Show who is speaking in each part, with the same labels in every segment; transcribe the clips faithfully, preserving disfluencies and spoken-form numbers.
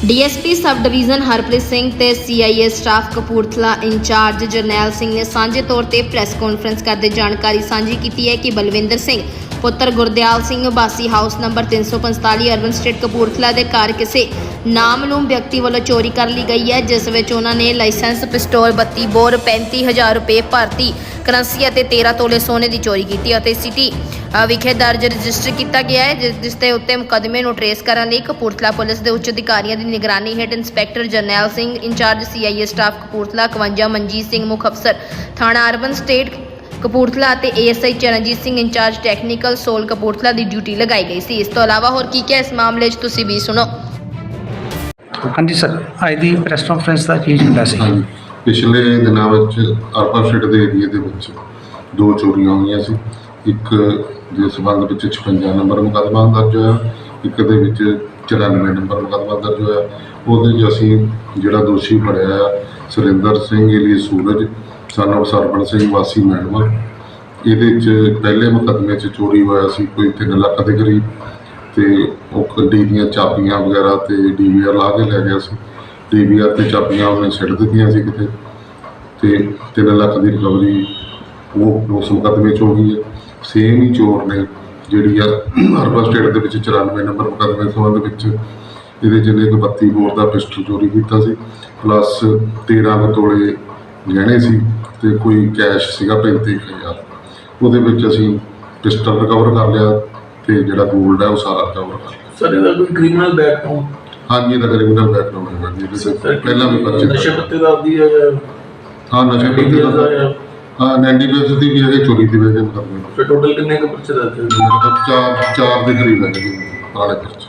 Speaker 1: DSP sub division Harpreet Singh ते CIA staff Kapurthala incharge Jarnail Singh ने सांझे तौर पर प्रैस कॉन्फ्रेंस करते जानकारी सांझी की है कि बलविंदर सिंह पुत्र गुरदयाल सिंह बासी हाउस नंबर तीन सौ पंताली अर्बन स्टेट कपूरथला के घर किसी नामलूम व्यक्ति वालों चोरी कर ली गई है, जिस विच उन्होंने लाइसेंस पिस्टोल बत्ती बोर पैंती हज़ार रुपये भारती करंसी और तेरह तोले सोने की चोरी की। सिटी विखे दर्ज रजिस्टर किया गया है, जिस दे उत्ते मुकदमे नूं ट्रेस करने लई कपूरथला पुलिस के उच्च अधिकारियों की निगरानी हेठ inspector Jarnail Singh incharge CIA staff Kapurthala इकवंजा मनजीत सिंह मुख अफसर थाना अर्बन स्टेट कपूरथला और ASI Charanjit Singh incharge technical cell Kapurthala की ड्यूटी लगाई गई सी। इस तो अलावा होर की क्या इस मामले च तुसीं भी सुनो।
Speaker 2: हाँ जी सर, अज की प्रैस कॉन्फ्रेंस का की हुंदा सी?
Speaker 3: पिछले दिनों अर्बन स्टेट के एरिए के विच दो चोरियां हुई सी। एक के संबंध में छप्पन नंबर मुकदमा दर्ज होया, एक दे चौरानवे नंबर मुकदमा दर्ज होया। वो असी जिहड़ा दोषी फड़िया Surinder Singh alias Suraj son of Sarwan Singh वासी मैडमा, ये पहले मुकदमे च चोरी होया सी कोई तीन लाख के करीब, तो डी दी चाबियां वगैरह तो डी वी आर ला के लै गया सी। डी वी आर तो चाबियां उन्हें सिट दित्तियां सी किते, ते तीन लाख की रिकवरी वो उस मुकदमे च हो गई है। सेम ही चोर ने जी अर्बन स्टेट के चौरानवे नंबर मुकदमे संबंध ये जिन्हें एक बत्ती बोर का पिस्टल चोरी किया, प्लस तेरह तोले गहने सी ते कोई कैश सीगा पैंती हज़ार। वो असी पिस्टल रिकवर कर लिया तो जोड़ा गोल्ड है वो सारा रिकवर कर लिया।
Speaker 4: सर ਇਹਦਾ ਕੋਈ ਕ੍ਰਿਮੀਨਲ ਬੈਕਗ੍ਰਾਉਂਡ?
Speaker 3: हाँ जी, ਇਹਦਾ क्रिमिनल बैकग्राउंड है जी, पहला भी पर्चे
Speaker 4: ਨਸ਼ੇ ਪੱਤੇ ਦਾ ਆਦੀ ਹੈ?
Speaker 3: हाँ, नशे पत्ते का हाँ नैंडी बेस की भी है, चोरी की वजह मुकदमे
Speaker 4: ਫਿਰ ਟੋਟਲ ਕਿੰਨੇ ਕੁ ਪਰਚੇ ਦਰਜ ਹੋਏ?
Speaker 3: चार चार के करीब है जी पुराने पर्चे।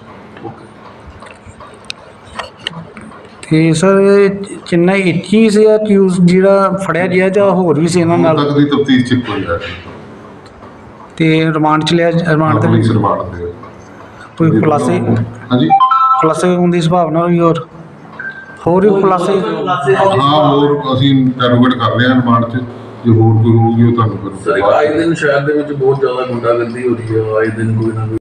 Speaker 2: ਤੇ ਸਰ ਚੇन्नई ਇੱਕ ਹੀ ਸੀ ਅਕਿਊਜ਼ ਜਿਹੜਾ ਫੜਿਆ ਗਿਆ ਜਾਂ ਹੋਰ ਵੀ ਸੀ ਇਹਨਾਂ ਨਾਲ?
Speaker 3: तक की तफ्तीश च कोई है
Speaker 2: ਤੇ ਰਿਮਾਂਡ ਚ ਲਿਆ? ਰਿਮਾਂਡ ਤੇ
Speaker 3: पुलिस रिमांड दे
Speaker 2: ਕੋਈ ਖੁਲਾਸੇ
Speaker 3: हाँ जी
Speaker 2: ਖੁਲਾਸੇ ਹੋਣ ਦੀ ਸੰਭਾਵਨਾ ਹੋਈ? ਹੋਰ ਹੋਰ ਵੀ ਖੁਲਾਸੇ?
Speaker 3: हाँ होर असीं इंटरोगेट कर रहे हैं रिमांड च, जो होर कोई होगी वो तुहानूं
Speaker 4: ਸਰ
Speaker 3: फिर
Speaker 4: ਆਏ ਦਿਨ ਸ਼ਹਿਰ ਦੇ ਵਿੱਚ ਬਹੁਤ ਜ਼ਿਆਦਾ ਗੁੰਡਾਗਰਦੀ ਹੋ ਰਹੀ ਹੈ, ਆਏ ਦਿਨ ਕੋਈ ਨਾ ਕੋਈ